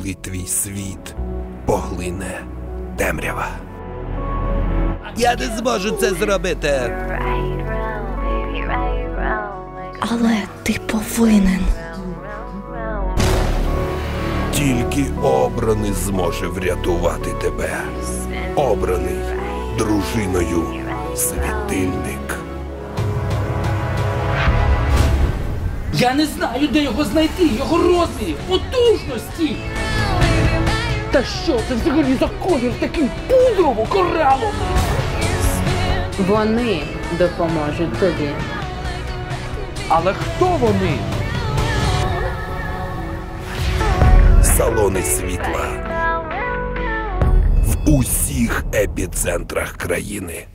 коли твій світ поглине темрява. Я не зможу це зробити. Але ти повинен. Тільки обраний зможе врятувати тебе. Обраний дружиною світильник. Я не знаю, де його знайти, його розмірів, потужності. Та що це взагалі за колір такий пудрово-кораловий? Вони допоможуть тобі. Але хто вони? Салони світла в усіх епіцентрах країни.